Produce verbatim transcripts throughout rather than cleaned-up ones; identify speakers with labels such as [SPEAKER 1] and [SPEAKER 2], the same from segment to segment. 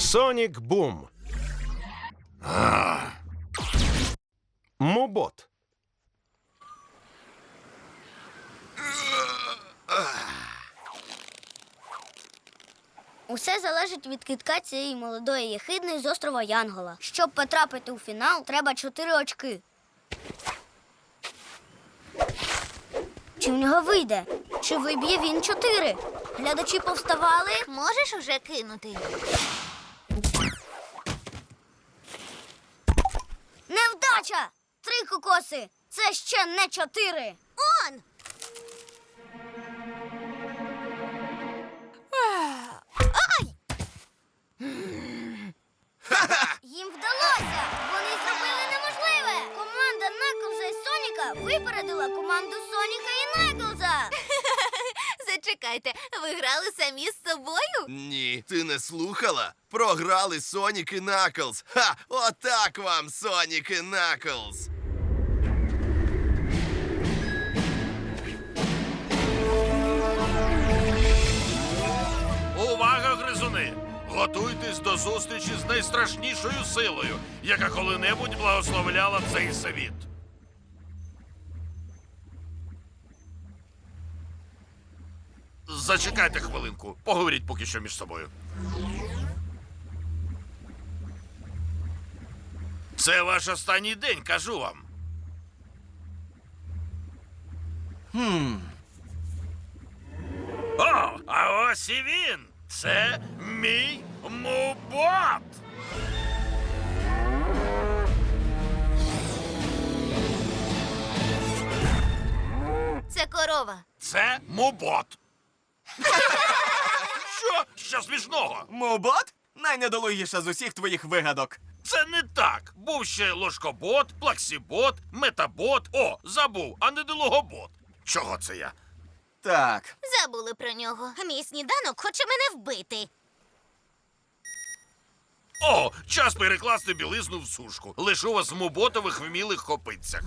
[SPEAKER 1] Сонік Бум. Мобот.
[SPEAKER 2] Усе залежить від кидка цієї молодої єхидної з острова Янгола. Щоб потрапити у фінал, треба чотири очки. Чи в нього вийде? Чи виб'є він чотири? Глядачі повставали.
[SPEAKER 3] Можеш уже кинути?
[SPEAKER 2] Невдача! Три кокоси! Це ще не чотири!
[SPEAKER 3] Он!
[SPEAKER 2] Їм вдалося! Вони зробили неможливе! Команда Наклза і Соніка випередила команду Соніка і Наклза!
[SPEAKER 3] Зачекайте, ви грали самі з собою?
[SPEAKER 4] Ні, ти не слухала? Програли Сонік і Наклз. Ха! Отак вам, Сонік і Наклз!
[SPEAKER 5] Увага, гризуни! Готуйтесь до зустрічі з найстрашнішою силою, яка коли-небудь благословляла цей світ. Зачекайте хвилинку. Поговоріть поки що між собою. Це ваш останній день, кажу вам.
[SPEAKER 6] Хм.
[SPEAKER 5] О, а ось і він. Це мій мобот.
[SPEAKER 3] Це корова.
[SPEAKER 5] Це мобот. Що? Що смішного?
[SPEAKER 6] Мобот? Найнедолугіша з усіх твоїх вигадок.
[SPEAKER 5] Це не так. Був ще ложкобот, плаксібот, метабот. О, забув, а не долугобот. Чого це я?
[SPEAKER 6] Так.
[SPEAKER 3] Забули про нього. Мій сніданок хоче мене вбити.
[SPEAKER 5] О, час перекласти білизну в сушку. Лишу вас в моботових вмілих копитцях.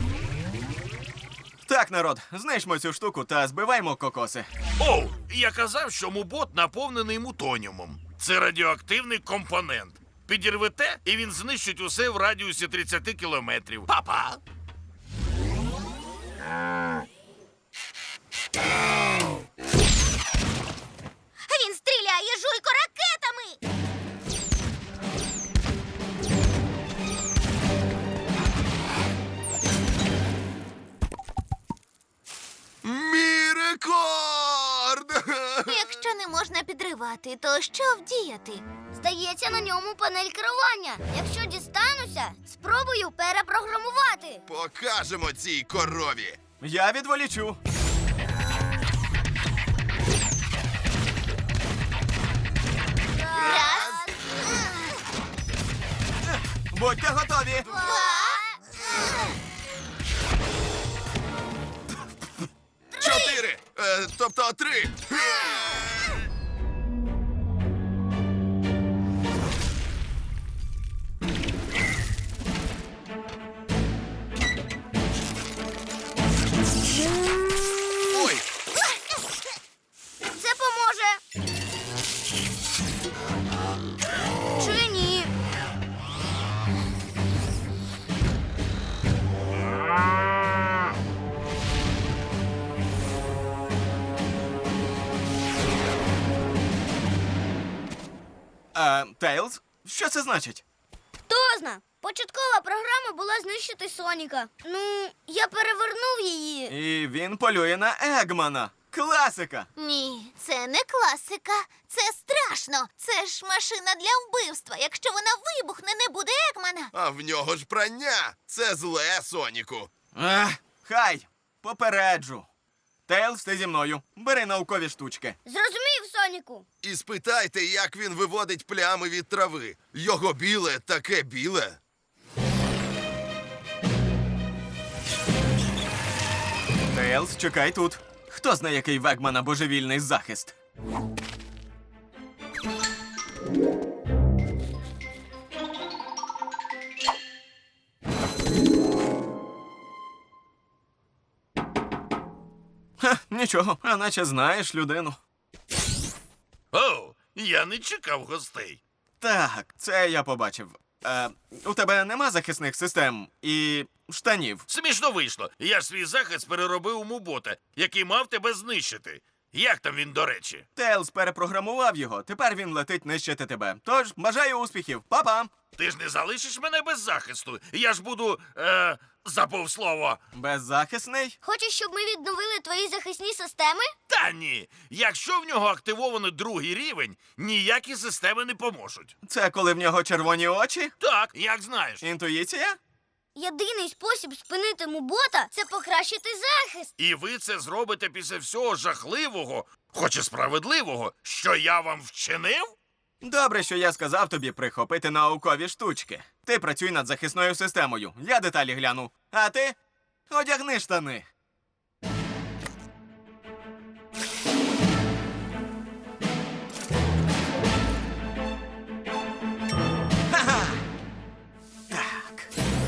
[SPEAKER 6] Так, народ, знищмо цю штуку та збиваймо кокоси.
[SPEAKER 5] О, я казав, що мобот наповнений мутоніумом. Це радіоактивний компонент. Підірвете, і він знищить усе в радіусі тридцять кілометрів. Па-па!
[SPEAKER 3] Він стріляє жуйко ракетами.
[SPEAKER 4] Мій рекорд!
[SPEAKER 3] Якщо не можна підривати, то що вдіяти?
[SPEAKER 2] Здається, на ньому панель керування. Якщо дістануся, спробую перепрограмувати.
[SPEAKER 4] Покажемо цій корові.
[SPEAKER 6] Я відволічу.
[SPEAKER 3] Раз,
[SPEAKER 6] Будьте готові.
[SPEAKER 4] Чотири! Е, тобто три! Ой!
[SPEAKER 2] Це поможе. Чи ні?
[SPEAKER 6] А, Тейлз? Що це значить?
[SPEAKER 2] Хто зна? Початкова програма була знищити Соніка. Ну, я перевернув її.
[SPEAKER 6] І він полює на Егмана. Класика.
[SPEAKER 3] ні, це не класика. Це страшно. Це ж машина для вбивства. Якщо вона вибухне, не буде Екмана.
[SPEAKER 4] А в нього ж прання! Це зле, Соніку!
[SPEAKER 6] Ех, хай, попереджу. Тейлз, ти зі мною. Бери наукові штучки.
[SPEAKER 2] Зрозумів, Соніку?
[SPEAKER 4] І спитайте, як він виводить плями від трави. Його біле таке біле.
[SPEAKER 6] Тейлз, чекай тут. Хто знає, який в Егмана божевільний захист? Ха, нічого, а наче знаєш людину.
[SPEAKER 5] О, я не чекав гостей.
[SPEAKER 6] Так, це я побачив. Е, у тебе нема захисних систем і штанів.
[SPEAKER 5] Смішно вийшло. Я ж свій захист переробив у мубота, який мав тебе знищити. Як там він, до речі?
[SPEAKER 6] Тейлз перепрограмував його, тепер він летить нищити тебе. Тож, бажаю успіхів, па-па!
[SPEAKER 5] Ти ж не залишиш мене без захисту. Я ж буду. Е, забув слово.
[SPEAKER 6] Беззахисний?
[SPEAKER 2] Хочеш, щоб ми відновили твої захисні системи?
[SPEAKER 5] Та ні. Якщо в нього активовано другий рівень, ніякі системи не поможуть.
[SPEAKER 6] Це коли в нього червоні очі?
[SPEAKER 5] Так, як знаєш.
[SPEAKER 6] Інтуїція?
[SPEAKER 2] Єдиний спосіб спинити мубота – це покращити захист.
[SPEAKER 5] І ви це зробите після всього жахливого, хоч і справедливого, що я вам вчинив?
[SPEAKER 6] Добре, що я сказав тобі прихопити наукові штучки. Ти працюй над захисною системою. Я деталі гляну. А ти одягни штани. Ха-ха! Так.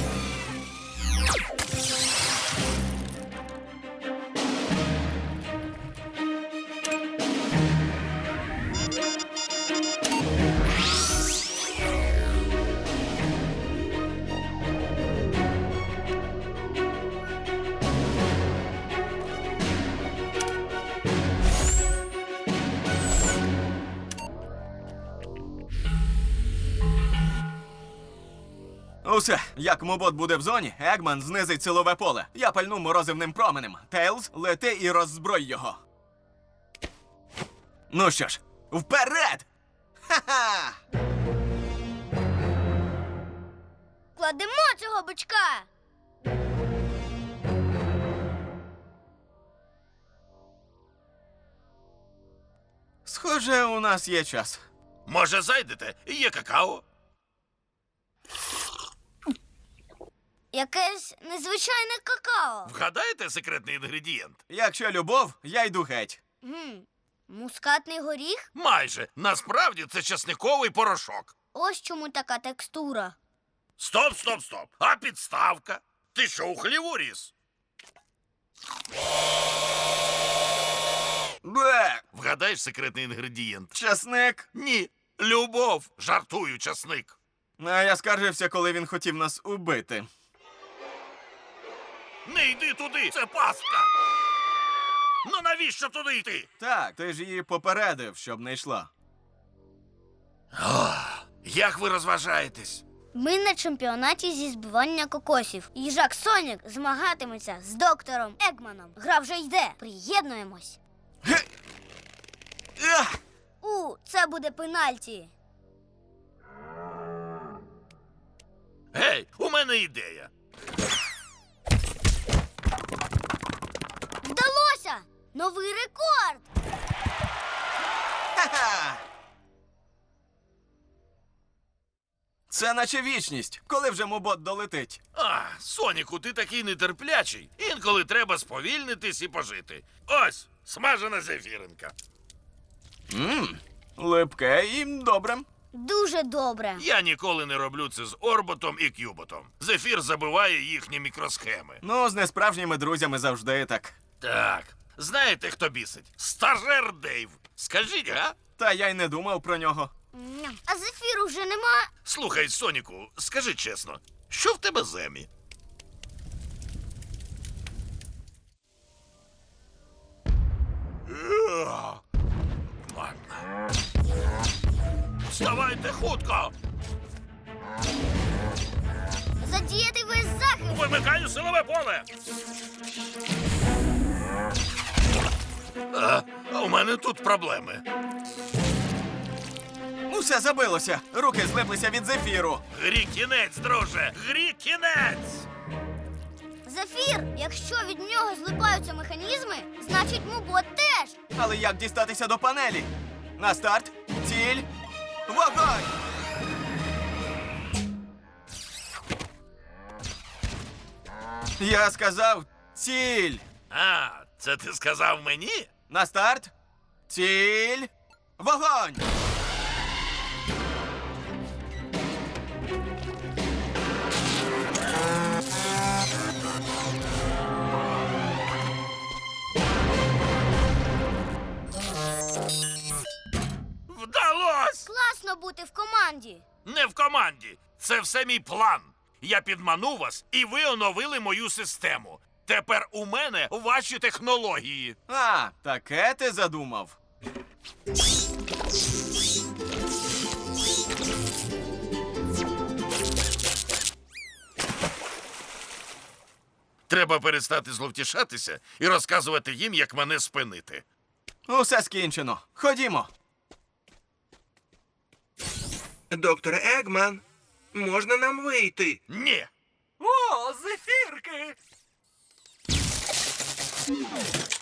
[SPEAKER 6] Усе, як мобот буде в зоні, Егман знизить силове поле. Я пальну морозивним променем. Тейлз, лети і роззброй його. Ну що ж, вперед! Ха-ха!
[SPEAKER 2] Кладемо цього бичка.
[SPEAKER 6] Схоже, у нас є час.
[SPEAKER 5] Може, зайдете? Є какао?
[SPEAKER 2] Якесь незвичайне какао.
[SPEAKER 5] Вгадаєте секретний інгредієнт?
[SPEAKER 6] Якщо любов, я йду геть.
[SPEAKER 2] Гм. Мускатний горіх?
[SPEAKER 5] Майже. Насправді це часниковий порошок.
[SPEAKER 2] Ось чому така текстура.
[SPEAKER 5] Стоп, стоп, стоп. А підставка? Ти що, у хліву ріс?
[SPEAKER 6] Бе!
[SPEAKER 5] Вгадаєш секретний інгредієнт?
[SPEAKER 6] Часник.
[SPEAKER 5] Ні. Любов. Жартую, часник.
[SPEAKER 6] А я скаржився, коли він хотів нас убити.
[SPEAKER 5] Не йди туди, це пастка. Ну навіщо туди йти?
[SPEAKER 6] Так, ти ж її попередив, щоб не йшла.
[SPEAKER 5] Ох, як ви розважаєтесь?
[SPEAKER 2] Ми на чемпіонаті зі збивання кокосів. Їжак Сонік змагатиметься з доктором Егманом. Гра вже йде. Приєднуємось.
[SPEAKER 6] Ге! Ах!
[SPEAKER 2] У, це буде пенальті.
[SPEAKER 5] Гей, у мене ідея.
[SPEAKER 2] Вдалося! Новий рекорд!
[SPEAKER 6] Ха-ха! Це наче вічність, коли вже мобот долетить.
[SPEAKER 5] А, Соніку, ти такий нетерплячий. Інколи треба сповільнитись і пожити. Ось, смажена зефіринка.
[SPEAKER 6] Ммм, липке і добре.
[SPEAKER 2] Дуже добре.
[SPEAKER 5] Я ніколи не роблю це з орботом і кюботом. Зефір забиває їхні мікросхеми.
[SPEAKER 6] Ну, з несправжніми друзями завжди так.
[SPEAKER 5] Так, знаєте, хто бісить? Стажер Дейв. Скажіть, га?
[SPEAKER 6] Та я й не думав про нього.
[SPEAKER 2] Ням. А зефіру вже нема.
[SPEAKER 5] Слухай, Соніку, скажи чесно, що в тебе з Емі? Еа, ладно. Вставайте хутко!
[SPEAKER 2] Задіяти весь захист.
[SPEAKER 5] Вимикаю силове поле! А, у мене тут проблеми.
[SPEAKER 6] Усе забилося. Руки злиплися від зефіру.
[SPEAKER 5] Грі кінець, друже! Грі кінець!
[SPEAKER 2] Зефір, якщо від нього злипаються механізми, значить мубот теж.
[SPEAKER 6] Але як дістатися до панелі? На старт, ціль, вогонь! Я сказав ціль.
[SPEAKER 5] А, це ти сказав мені?
[SPEAKER 6] На старт, ціль, вогонь!
[SPEAKER 5] Вдалось!
[SPEAKER 2] Класно бути в команді.
[SPEAKER 5] Це все мій план. Я підманув вас, і ви оновили мою систему. Тепер у мене ваші технології.
[SPEAKER 6] А, таке ти задумав.
[SPEAKER 5] Треба перестати зловтішатися і розказувати їм, як мене спинити.
[SPEAKER 6] Усе скінчено. Ходімо.
[SPEAKER 1] Доктор Егман, можна нам вийти?
[SPEAKER 5] Ні.
[SPEAKER 7] О, зефірки!